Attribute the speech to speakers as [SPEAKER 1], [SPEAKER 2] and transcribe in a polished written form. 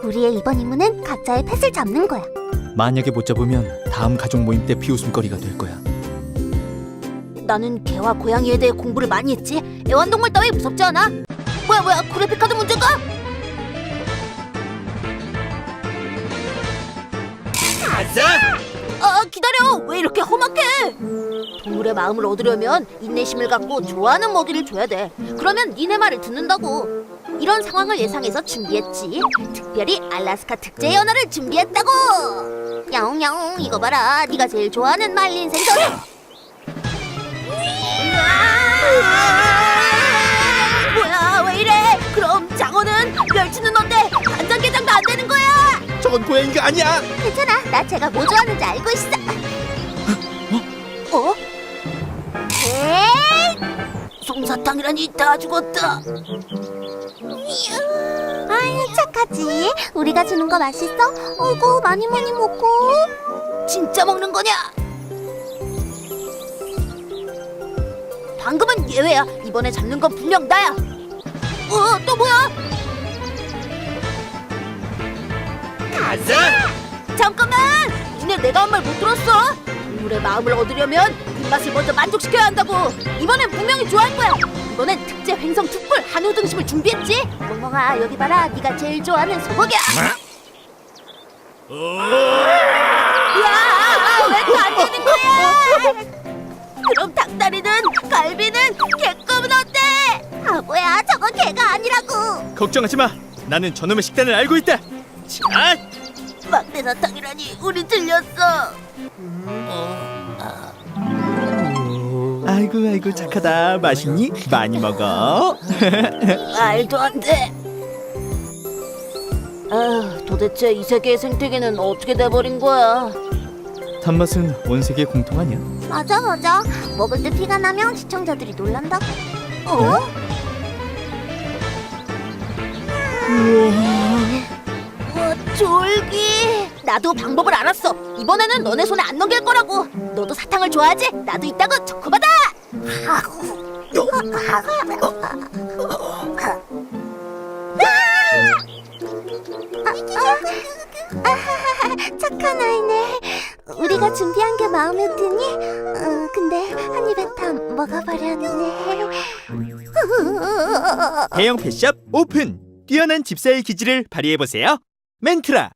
[SPEAKER 1] 우리의 이번 임무는 각자의 펫을 잡는 거야.
[SPEAKER 2] 만약에 못 잡으면 다음 가족 모임 때 비웃음거리가 될 거야.
[SPEAKER 1] 나는 개와 고양이에 대해 공부를 많이 했지. 애완동물 따위 무섭지 않아. 뭐야, 그래픽카드 문제인가?
[SPEAKER 3] 가자!
[SPEAKER 1] 기다려. 왜 이렇게 험악해? 동물의 마음을 얻으려면 인내심을 갖고 좋아하는 먹이를 줘야 돼. 그러면 니네 말을 듣는다고. 이런 상황을 예상해서 준비했지. 특별히 알라스카 특제 연어를 준비했다고. 야옹야옹, 이거 봐라. 네가 제일 좋아하는 말린 생선. 뭐야, 왜 이래? 그럼 장어는? 멸치는 어때? 간장게장도 안 되는 거야?
[SPEAKER 2] 저건 고양이가 아니야.
[SPEAKER 1] 괜찮아. 나 제가 뭐 좋아하는지 알고 있어. 어? 에이! 솜사탕이라니 다 죽었다. 아이, 착하지. 우리가 주는 거 맛있어? 어이구, 많이 먹고. 진짜 먹는 거냐? 방금은 예외야. 이번에 잡는 건 분명 나야. 또 뭐야?
[SPEAKER 3] 가자!
[SPEAKER 1] 잠깐만! 니네 내가 한 말 못 들었어? 동물의 마음을 얻으려면 입맛을 먼저 만족시켜야 한다고. 이번엔 분명히 좋아할 거야. 이번엔 특제 횡성 특불 한우 등심을 준비했지. 멍멍아, 여기 봐라. 네가 제일 좋아하는 소고기야. 야, 왜 또 안 되는 거야? 그럼 닭다리는, 갈비는, 개껌은 어때? 바보야, 저건 개가 아니라고.
[SPEAKER 2] 걱정하지 마. 나는 저놈의 식단을 알고 있다.
[SPEAKER 3] 자!
[SPEAKER 1] 막내 사탕이라니, 우리 들렸어.
[SPEAKER 2] 아이고 착하다. 맛있니? 많이 먹어.
[SPEAKER 1] 말도 안 돼. 도대체 이 세계의 생태계는 어떻게 돼버린 거야?
[SPEAKER 2] 단맛은 온 세계 공통 아니야.
[SPEAKER 1] 맞아. 먹을 때 피가 나면 시청자들이 놀란다고. 우와, 졸기. 나도 방법을 알았어. 이번에는 너네 손에 안 넘길 거라고. 너도 사탕을 좋아하지? 나도 있다고. 초코바다. 착한 아이네. 우리가 준비한 게 마음에 드니? 근데 한 입에 다 먹어버렸네.
[SPEAKER 2] 대형 펫샵 오픈. 뛰어난 집사의 기질을 발휘해보세요. 멘트라.